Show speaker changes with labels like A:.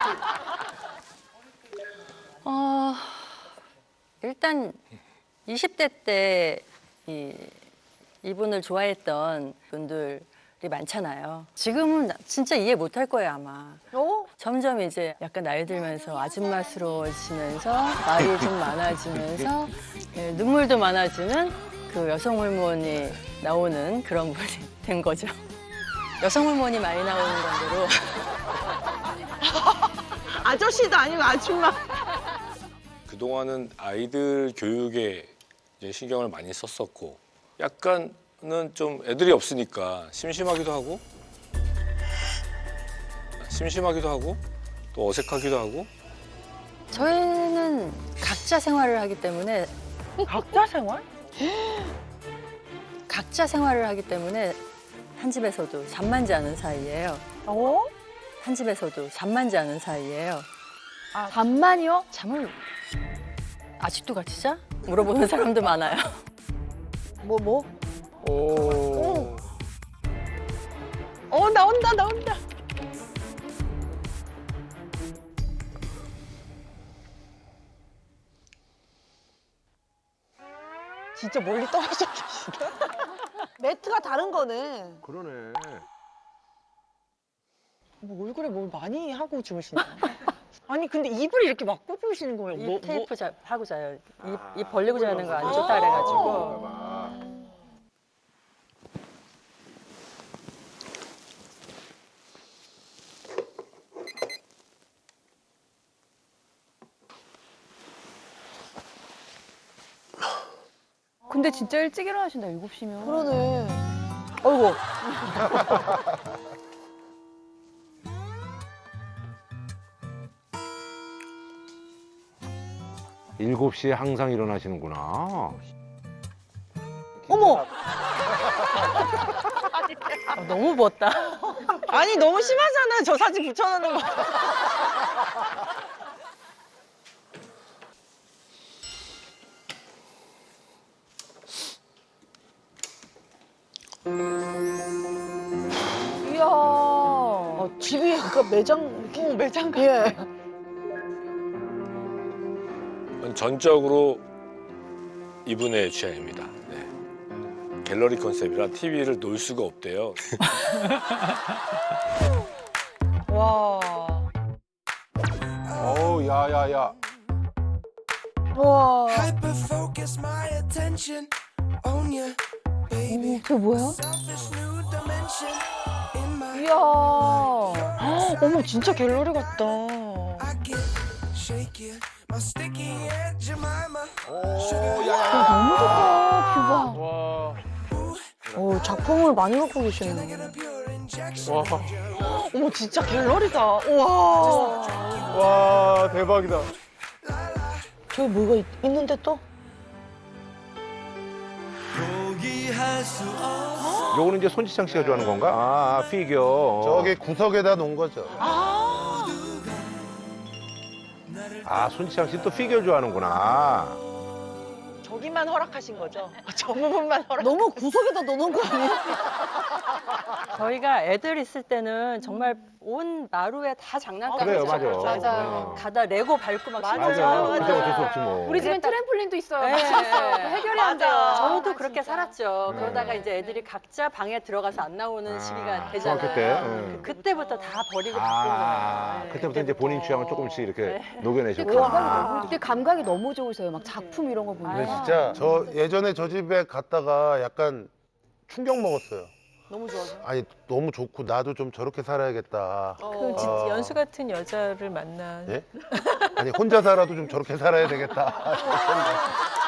A: 일단 20대 때 이분을 좋아했던 분들이 많잖아요. 지금은 진짜 이해 못할 거예요, 아마. 점점 이제 약간 나이 들면서 아줌마스러워지면서 말이 좀 많아지면서 눈물도 많아지는 그 여성 호르몬이 나오는 그런 분이 된 거죠. 여성 호르몬이 많이 나오는 정도로.
B: 아저씨도 아니고 아줌마.
C: 그동안은 아이들 교육에 이제 신경을 많이 썼었고 약간은 좀 애들이 없으니까 심심하기도 하고 또 어색하기도 하고
A: 저희는 각자 생활을 하기 때문에
B: 각자 생활?
A: 각자 생활을 하기 때문에 한 집에서도 잠만 자는 사이예요. 한 집에서도 잠만 자는 사이예요.
D: 잠만이요?
A: 잠을 아직도 같이 자? 물어보는 사람도 많아요.
B: 뭐?
C: 오.
B: 나온다. 진짜 멀리 떨어져 계시네. 매트가 다른 거네.
E: 그러네.
B: 뭐 얼굴에 뭘 많이 하고 주무시나? 아니 근데 입을 이렇게 막고 주무시는 거예요?
A: 입 테이프 하고 자요. 입 벌리고 자는 거 안 좋다 그래가지고.
D: 근데 진짜 일찍 일어나신다, 7시면.
B: 그러네. 어이구.
E: 7시에 항상 일어나시는구나.
B: 어머.
A: 너무 부었다.
B: 아니 너무 심하잖아요. 저 사진 붙여놓는 거.
D: 이야.
B: 집이 약간 매장. 매장 같아. 예.
C: 전적으로 이분의 취향입니다. 네. 갤러리 컨셉이라 TV를 놓을 수가 없대요.
B: 와.
E: 어우, 야야야.
B: 와.
F: Hyper-focus my attention on you, baby.
D: 그게 뭐야?
F: Selfish new dimension in my
D: 이야.
B: 어머 진짜 갤러리 같다.
F: I get shaky. My sticky Aunt Jemima.
E: 오, 야야.
D: 너무 좋다, 뷰가.
B: 오 작품을 많이 갖고 계시네.
F: Get a pure injection.
B: 어머 진짜 갤러리다. 우와.
E: 와, 대박이다.
B: 저기 뭐가 있는데 또?
E: 요거는 이제 손지창 씨가 좋아하는 건가? 아, 피규어.
G: 저기 구석에다 놓은 거죠.
E: 아, 손지창 씨 또 피규어 좋아하는구나.
B: 저기만 허락하신 거죠? 저 부분만 허락. 너무 구석에다 넣는 거 아니에요?
A: 저희가 애들 있을 때는 정말 온 마루에 다 장난감
E: 그래요, 맞아.
A: 맞아요. 가다 레고 밟고 막
B: 맞아,
A: 신고하고.
E: 그때 어쩔 수 없지 뭐.
D: 우리 집엔 트램폴린도 있어요.
A: 네.
D: 미쳤어. 해결이 안 돼요.
A: 저도 그렇게 살았죠.
E: 네.
A: 그러다가 이제 애들이 각자 방에 들어가서 안 나오는 시기가 되잖아요.
E: 중학교 때. 네.
A: 그때부터 다 버리고 바꾼
E: 아,
A: 거예요.
E: 그때부터 이제 본인 취향을 조금씩 이렇게 녹여내셨구나.
D: 그때 감각이 너무 좋으세요. 막 작품 이런 거
G: 근데
D: 보면.
G: 진짜 저 예전에 저 집에 갔다가 약간 충격 먹었어요.
B: 너무 좋아서.
G: 아니 너무 좋고 나도 좀 저렇게 살아야겠다.
H: 그럼 진짜 연수 같은 여자를 만나.
G: 예? 아니 혼자 살아도 좀 저렇게 살아야 되겠다.